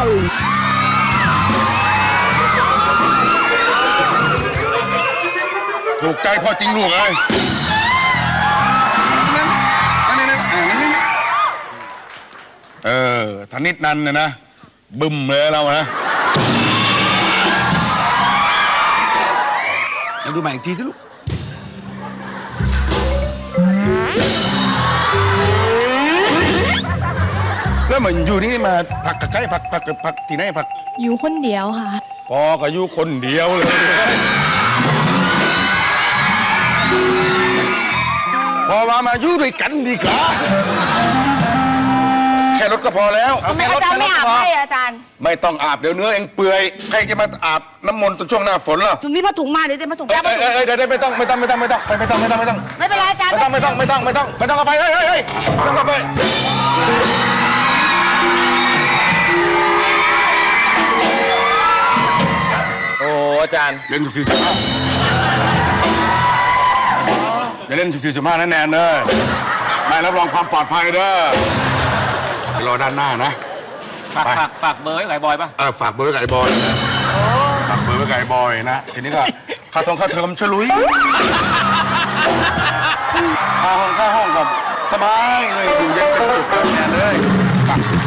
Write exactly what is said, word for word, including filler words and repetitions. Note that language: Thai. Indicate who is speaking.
Speaker 1: ถูกใจพ่อจริงลูกเอ้ยนั่นนั่นนั่นนั่นเออธนิดนันเนี่ยนะบึ้มเลยเรานะมาดูใหม่อีกทีสิลูกแล้วมันอยู่นี่มาผักกับใครผักผักกับผักที่ไหนผัก
Speaker 2: อยู่คนเดียวค่ะ
Speaker 1: พอก็อยู่คนเดียวเลยพอว่ามาอยู่ด้วยกันดีกว่าแค่รถก็พอแล้ว
Speaker 3: ทำไมอาจารย์ไม่อาบให้อาจารย์
Speaker 1: ไม่ต้องอาบเดี๋ยวเนื้อเองเปื่อยใครจะมาอาบน้ำมนต์ตอนช่วงหน้าฝนล่ะ
Speaker 3: ถุงนี้ผ้าถุงมาเดี๋ยวจะมาถุง
Speaker 1: เอ้ยเอ้ยเดี๋ยวไม่ต้องไม่ต้องไม่ต้องไม่ต้องไม่ต้องไม่ต้องไม่ต้อง
Speaker 3: ไม่เป็นไรอาจารย์
Speaker 1: ไม่ต้องไม่ต้องไม่ต้องไม่ต้องไม่ต้องเอาไปเฮ้ยเฮ้ยเฮ้ยไม่ต้องเอาไป
Speaker 4: โอ้อาจารย์
Speaker 1: เล่นสิบสี่สิบห้าอย่าเล่นสิบสี่สิบห้าแน่แน่เลยไม่รับรองความปลอดภัยเด้อรอด้านหน้านะ
Speaker 4: ฝากฝากฝากเบอร์ไว้ไก่บอยป่ะ
Speaker 1: เออฝากเบอร์ไว้ไก่บอยนะฝากเบอร์ไว้ไก่บอยนะทีนี้ก็ค่าทองค่าเทอมฉลุยค่าห้องค่าห้องกับสบายเลยอยู่เย็นเป็นสุขแน่เลย